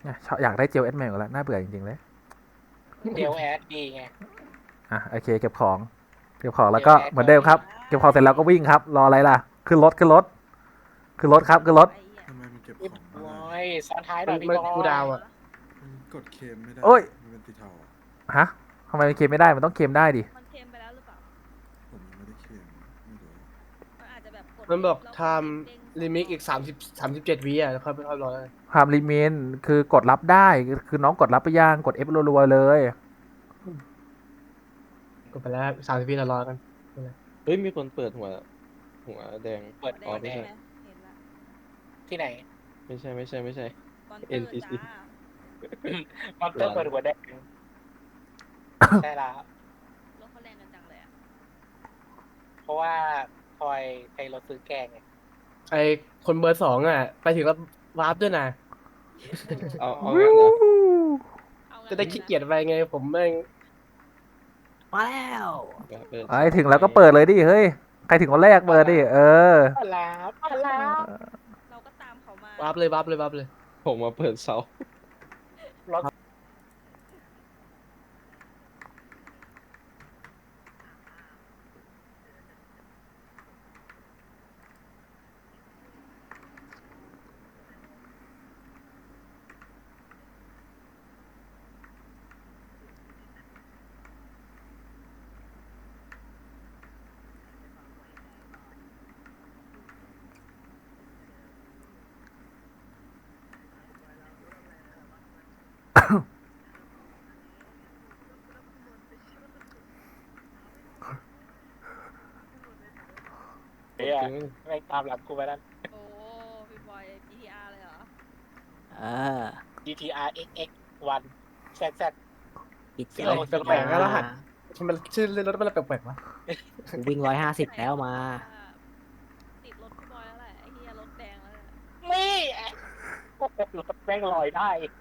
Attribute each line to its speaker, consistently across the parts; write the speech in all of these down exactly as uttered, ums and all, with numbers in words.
Speaker 1: เนี่ยชอบอยากได้เจลเอสเมลแล้วน่าเบื่อจริงๆเลย
Speaker 2: เดลแอดดีไง
Speaker 1: อ่ะโอเคเก็บของเก็บของแล้วก็
Speaker 2: เจลแอด
Speaker 1: เหมือนเดิมครับเก็บของเสร็จแล้วก็วิ่งครับรออะไรล่ะขึ้นรถขึ้นรถขึ้นรถครับขึ้นรถ
Speaker 3: ไอ้เหี้ย
Speaker 4: ทำไมมันเก็บ
Speaker 2: พี่
Speaker 4: ของ
Speaker 2: บ
Speaker 4: ไม่
Speaker 2: อ
Speaker 4: ได้
Speaker 2: ยซ้อนท้ายห
Speaker 5: มั
Speaker 2: น่อน ยพี่
Speaker 5: มัน
Speaker 2: บอย
Speaker 5: กูดาวอ่ะ
Speaker 4: มันกดเคมไม่ได้
Speaker 1: โอ้ย
Speaker 4: มันเป็นสีเทาอ่ะ
Speaker 1: ฮะทำไมมันเคลมไม่ได้มันต้องเคลมได้ดิ
Speaker 3: มันเค็มไปแล้วหรือเปล่า
Speaker 4: ผมยังไม่ได้เคมไม่รู้
Speaker 3: มันอาจจะแบบกด
Speaker 5: มันบอก
Speaker 3: แล้ว
Speaker 5: ทำลิมิกอีกสามสิบสามสิบเจ็ดวิอ่ะแล้วค่อยไปค่อยร้อย
Speaker 1: ความลิมิตคือกดรับได้คือน้องกดรับไปย่างกด F รัวๆเลย
Speaker 5: กดไปแล้วสามสิบวิแล้วร้อยกัน
Speaker 6: เฮ้ยมีคนเปิดหัวหัวแดง
Speaker 2: เปิด
Speaker 3: หั
Speaker 2: หั
Speaker 3: ว
Speaker 2: ว
Speaker 3: แด
Speaker 2: แด
Speaker 3: ง
Speaker 2: ง
Speaker 3: ไหมเห็นละ
Speaker 2: ที่ไหน
Speaker 6: ไม่ใช่ไม่ใช่ไม่ใช่
Speaker 3: ตอนเตอ
Speaker 6: เอ็น
Speaker 3: ร์
Speaker 6: พี ซี
Speaker 3: จ้า
Speaker 2: มอนเตอร์เปิดหัวแดงใช่แล้ว
Speaker 3: รถเขาแรงกันจังเลยอะ
Speaker 2: เพราะว่าคอยใช้รถซื้อแกงไง
Speaker 5: ไอคนเบอร์สองอ่ะ ไปถึงแล้ววาร์ปด้วยนะ
Speaker 6: เอาเอางั้นเหรอ
Speaker 3: เอางั้น
Speaker 5: จะได้ขี้เกียจไปไงผมแม่ง
Speaker 7: มาแล้ว
Speaker 6: เปิด
Speaker 1: ไอ้ถึงแล้วก็เปิดเลยดิเฮ้ยใครถึงคนแรกเปิดดิเออ
Speaker 2: พลาพลา
Speaker 3: เราก็ตามเขามา
Speaker 5: วาร์ปเลยวาร์ปเลยวาร์ปเลย
Speaker 6: ผมมาเปิดเสาร
Speaker 2: ถเนี่ยแม่งตามหลังกูไปนั่น
Speaker 3: โอ้พี่บอย จี ที อาร์ เลยเหรอ
Speaker 7: เออ
Speaker 2: จี ที อาร์ เอ็กซ์ เอ็กซ์ วัน แซด แซด
Speaker 7: ปิดเจ
Speaker 2: เออ
Speaker 5: แปลกๆนะรหัส ทำไมชื่อรถมันแปลกๆวะ
Speaker 7: กูวิ่งร้อยห้าสิบแล้วมา
Speaker 3: ติดรถพี่บอยแล้วแหละไอ้เหี้ยรถแดงแล้วแหละ
Speaker 2: นี่รถแม่งลอยได้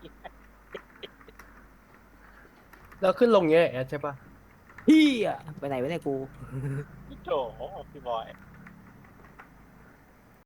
Speaker 5: แล้วขึ้นลงเงี้ยใช่ปะ
Speaker 7: เฮียไปไหนวะเนี่ยกู
Speaker 2: โถพี่บอย